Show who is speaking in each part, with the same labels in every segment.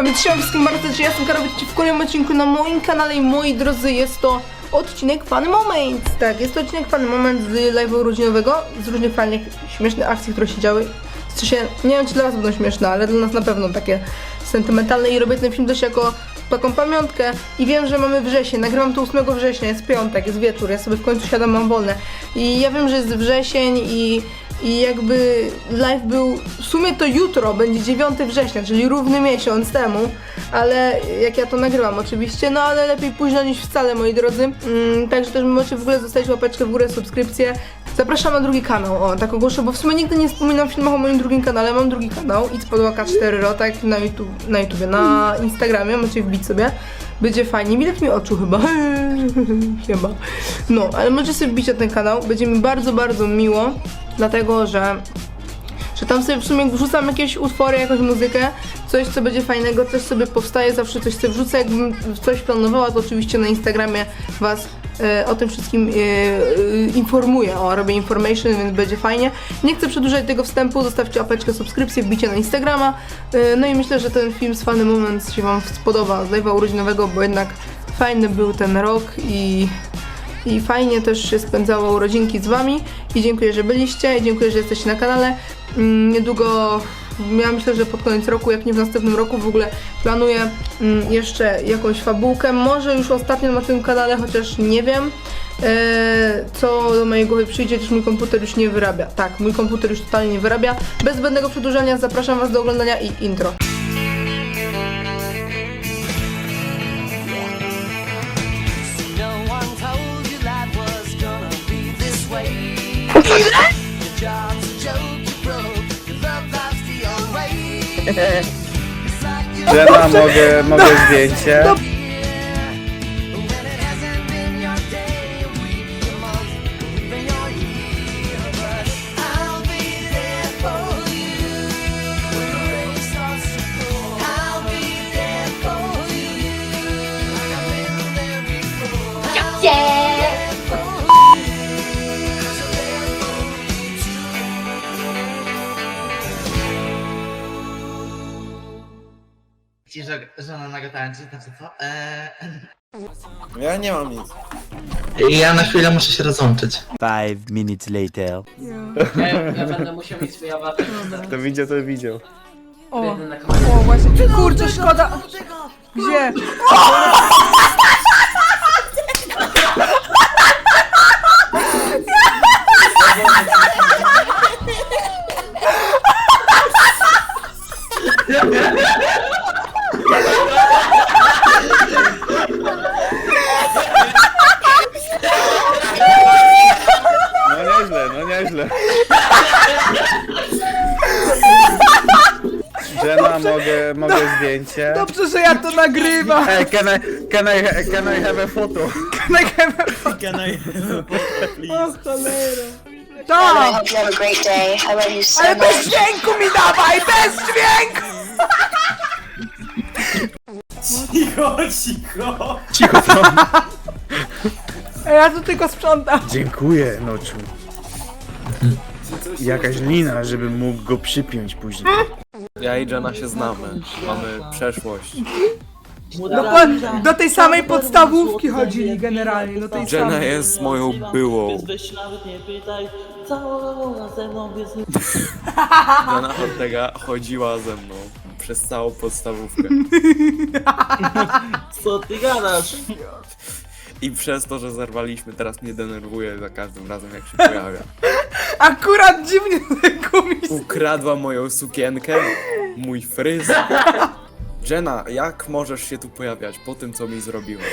Speaker 1: Więc siema wszystkim bardzo, że ja jestem Karol, witajcie w kolejnym odcinku na moim kanale i moi drodzy, jest to odcinek Funny Moment. Tak, jest to odcinek Funny Moment z live'u urodzinowego, z różnych fajnych, śmiesznych akcji, które się działy. W sensie, nie wiem czy dla was będą śmieszne, ale dla nas na pewno takie sentymentalne i robię ten film też jako taką pamiątkę i wiem, że mamy wrzesień, nagrywam to 8 września, jest piątek, jest wieczór, ja sobie w końcu siadam, mam wolne i ja wiem, że jest wrzesień i jakby live był, w sumie to jutro będzie 9 września, czyli równy miesiąc temu, ale jak ja to nagrywam oczywiście, no ale lepiej późno niż wcale, moi drodzy. Także też możecie w ogóle zostawić łapeczkę w górę, subskrypcję. Zapraszam na drugi kanał, o tak ogłoszę, bo w sumie nigdy nie wspominam w filmach o moim drugim kanale, mam drugi kanał, It's Podłaka 4 tak na Instagramie, możecie wbić sobie, będzie fajnie, widać mi oczu chyba, chyba, no, ale możecie sobie wbić na ten kanał, będzie mi bardzo, bardzo miło, dlatego, że tam sobie w sumie wrzucam jakieś utwory, jakąś muzykę, coś co będzie fajnego, coś sobie powstaje, zawsze coś sobie wrzucę, jakbym coś planowała, to oczywiście na Instagramie was o tym wszystkim informuję, robię information, więc będzie fajnie. Nie chcę przedłużać tego wstępu, zostawcie łapeczkę, subskrypcję, wbicie na Instagrama, no i myślę, że ten film z Funny Moment się wam spodoba z live'a urodzinowego, bo jednak fajny był ten rok i fajnie też się spędzało urodzinki z wami i dziękuję, że byliście i dziękuję, że jesteście na kanale. Niedługo, ja myślę, że pod koniec roku, jak nie w następnym roku, w ogóle planuję jeszcze jakąś fabułkę, może już ostatnio na tym kanale, chociaż nie wiem co do mojej głowy przyjdzie, gdyż mój komputer już nie wyrabia. Tak, mój komputer już totalnie nie wyrabia. Bez zbędnego przedłużania zapraszam was do oglądania i intro.
Speaker 2: Żena, mogę zdjęcie.
Speaker 3: Żona nago tańczy, znaczy co?
Speaker 2: Ja nie mam nic.
Speaker 3: Ja na chwilę muszę się rozłączyć.
Speaker 4: 5 minutes later.
Speaker 5: Ja będę musiał mieć swój awatar.
Speaker 2: Kto widział, to widział.
Speaker 1: O,
Speaker 5: Na kamerę.
Speaker 1: o właśnie, kurczę, szkoda. Gdzie?
Speaker 2: No nieźle. Żena, mogę zdjęcie.
Speaker 1: Dobrze, że ja to nagrywam.
Speaker 2: Hey, can I have a photo?
Speaker 1: O cholera.
Speaker 6: I
Speaker 1: Tak,
Speaker 6: hope you have a great day. I love you so
Speaker 1: ale bez
Speaker 6: much.
Speaker 1: dźwięku mi dawaj, bez dźwięku.
Speaker 2: Cicho to.
Speaker 1: Ja tu tylko sprzątam.
Speaker 2: Dziękuję, noczu. Jakaś lina, żebym mógł go przypiąć później.
Speaker 7: Ja i Jenna się znamy, mamy przeszłość.
Speaker 1: Do tej samej podstawówki chodzili generalnie, do tej
Speaker 7: Jenna
Speaker 1: samej.
Speaker 7: jest moją byłą.
Speaker 5: Weź nawet nie pytaj, cała ze mną jest nie...
Speaker 7: Jenna Ortega chodziła ze mną przez całą podstawówkę.
Speaker 5: Co ty gadasz?
Speaker 7: I przez to, że zerwaliśmy, teraz mnie denerwuje za każdym razem jak się pojawia.
Speaker 1: Akurat dziwnie gumisz.
Speaker 7: Ukradła moją sukienkę, mój fryz. Jenna, jak możesz się tu pojawiać po tym, co mi zrobiłaś?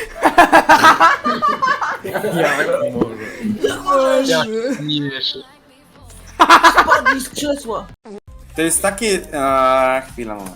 Speaker 7: Jak możesz?
Speaker 5: Nie wiesz. Spadnij z krzesła!
Speaker 2: To jest takie... chwila, moment.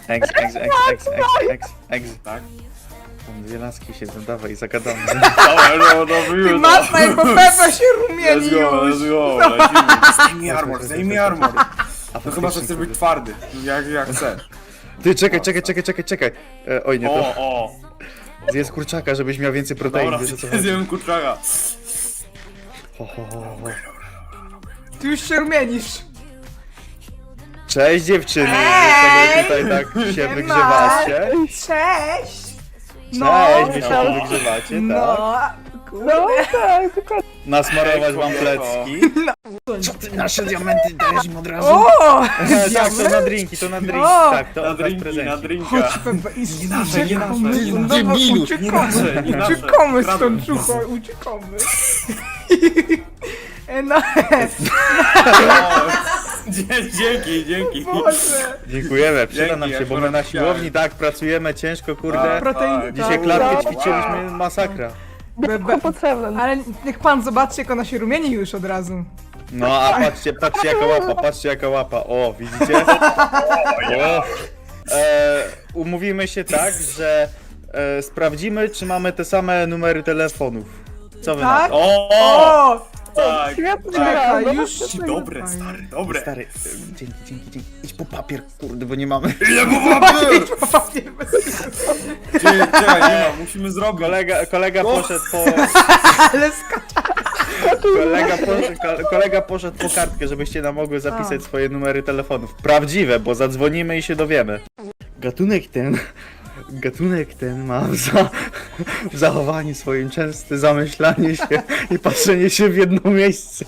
Speaker 2: Ex, tak? Tam dwie laski siedzą, dawaj, zagadamy.
Speaker 1: Ty masna jak Pepe się rumieni już.
Speaker 2: Zdejmij armor.
Speaker 8: No chyba, że chcesz być twardy, jak chcesz.
Speaker 2: Ty, czekaj. Oj, nie to.
Speaker 8: O!
Speaker 2: Zjedz kurczaka, żebyś miał więcej protein,
Speaker 8: Dobra,
Speaker 2: wiesz o co chodzi.
Speaker 8: zjem kurczaka.
Speaker 1: Ty już się rumienisz.
Speaker 2: Cześć dziewczyny, wy sobie tutaj tak się
Speaker 1: Siema.
Speaker 2: wygrzewacie.
Speaker 1: Cześć!
Speaker 2: Cześć, wy się tu wygrzewacie, tak?
Speaker 1: No, kurde.
Speaker 2: Nasmarować wam plecki. Co ty nasze diamenty dajesz im od razu?
Speaker 1: O!
Speaker 2: Tak, to na drinki, to na drinki,
Speaker 1: O!
Speaker 2: tak, to
Speaker 8: Na
Speaker 2: od was
Speaker 8: drinki, na
Speaker 2: prezenci.
Speaker 8: drinka.
Speaker 1: Nie
Speaker 8: nasze, nie nasze, nie nasze.
Speaker 1: Debilu!
Speaker 8: Nie nasze, nie nasze.
Speaker 1: Uciekamy
Speaker 8: Kradną.
Speaker 1: stąd, ciucho, uciekamy. No,
Speaker 8: Dzięki.
Speaker 1: Boże.
Speaker 2: Dziękujemy, przyda nam
Speaker 8: Dzięki,
Speaker 2: się, bo
Speaker 8: ja
Speaker 2: my na
Speaker 8: się
Speaker 2: siłowni tak pracujemy ciężko, kurde.
Speaker 1: Protein,
Speaker 2: Dzisiaj klatkę ćwiczyliśmy, masakra.
Speaker 1: Ale niech pan zobaczy, jak ona się rumieni już od razu.
Speaker 2: No a patrzcie jaka łapa, o widzicie? O. Umówimy się tak, że sprawdzimy, czy mamy te same numery telefonów. Co wy na
Speaker 1: Tak?
Speaker 2: to?
Speaker 1: O!
Speaker 8: Tak.
Speaker 1: Czekaj, już...
Speaker 8: Dobre, stary, dobre.
Speaker 2: Stary, dzięki. Idź po papier, kurde, bo nie mamy.
Speaker 8: Czekaj, nie ma, musimy zrobić.
Speaker 2: Kolega poszedł po...
Speaker 1: Ale skacza.
Speaker 2: Kolega poszedł po kartkę, żebyście nam mogły zapisać swoje numery telefonów. Prawdziwe, bo zadzwonimy i się dowiemy. Gatunek ten ma w zachowaniu swoim częste zamyślanie się i patrzenie się w jedno miejsce.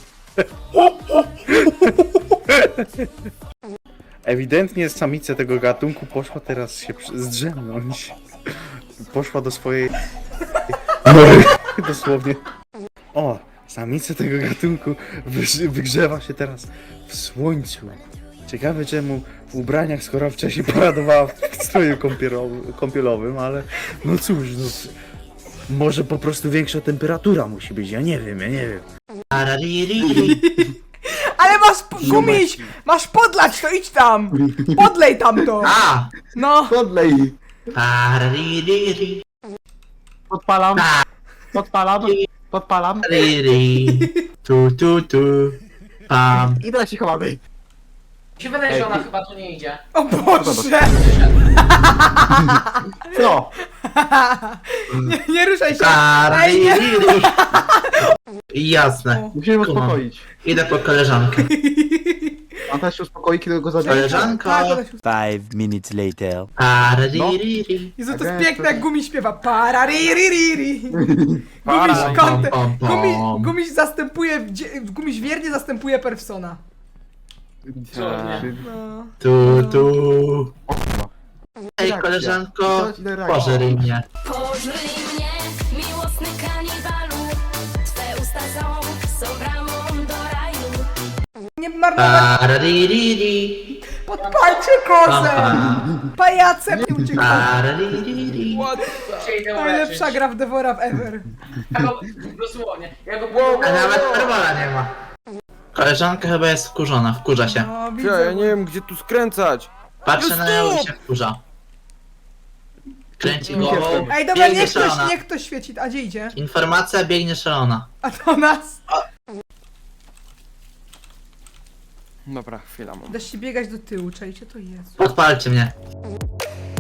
Speaker 2: Ewidentnie samica tego gatunku poszła teraz się zdrzemnąć. Poszła do swojej... nory, dosłownie. O, samica tego gatunku wygrzewa się teraz w słońcu. Ciekawe czemu w ubraniach, skoro wcześniej paradowała w stroju kąpielowym, ale no cóż, no, może po prostu większa temperatura musi być, ja nie wiem.
Speaker 3: Paraririri.
Speaker 1: Ale masz gumiś! Masz podlać, to idź tam! Podlej tam to!
Speaker 3: A!
Speaker 1: No!
Speaker 3: Paraririri.
Speaker 9: Podpalam. Podpalam.
Speaker 3: Riri. Tu. Pam.
Speaker 9: I teraz się chowamy.
Speaker 10: Mi się wydaje, że ona chyba tu nie idzie.
Speaker 1: O Boże!
Speaker 9: Co?
Speaker 1: Nie ruszaj się! Ej, nie!
Speaker 3: Paraririri. Jasne.
Speaker 9: Musimy
Speaker 3: Kumam.
Speaker 9: uspokoić.
Speaker 3: Idę po koleżankę.
Speaker 9: On też się uspokoi, kiedy go zabije.
Speaker 3: Koleżanko.
Speaker 1: Tak, ona się-
Speaker 4: 5 minutes later.
Speaker 3: Paraririri.
Speaker 1: Jezu, to jest piękne, jak Gumiś śpiewa. Paraririri. Gumiś kątem. Gumiś zastępuje, Gumiś wiernie zastępuje Perfsona. No.
Speaker 3: Tu. Hej koleżanko. Pożeryj mnie.
Speaker 6: Pożryj mnie, miłosny kanibalu. Twe usta są bramą do raju.
Speaker 1: Nie marnować,
Speaker 3: Paraririri.
Speaker 1: podpalcie kozę! Pajacem nie uciekaj.
Speaker 3: Paraririri.
Speaker 10: Się idę
Speaker 1: Najlepsza
Speaker 10: uleczyć.
Speaker 1: gra w Devora w ever.
Speaker 10: Ja go, dosłownie, ja go
Speaker 3: A nawet perwola nie ma. Koleżanka chyba jest wkurzona, wkurza się.
Speaker 1: No,
Speaker 8: Ja
Speaker 1: widzę.
Speaker 8: nie wiem, gdzie tu skręcać.
Speaker 3: Patrzę na nią i się wkurza. Kręci głową,
Speaker 1: Ej, dobra,
Speaker 3: biegnie szalona.
Speaker 1: niech ktoś świeci. A gdzie idzie?
Speaker 3: Informacja, biegnie szalona.
Speaker 1: A do nas?
Speaker 8: Dobra, chwila mam.
Speaker 1: Da się biegać do tyłu, czajcie, to jest.
Speaker 3: Podpalcie mnie.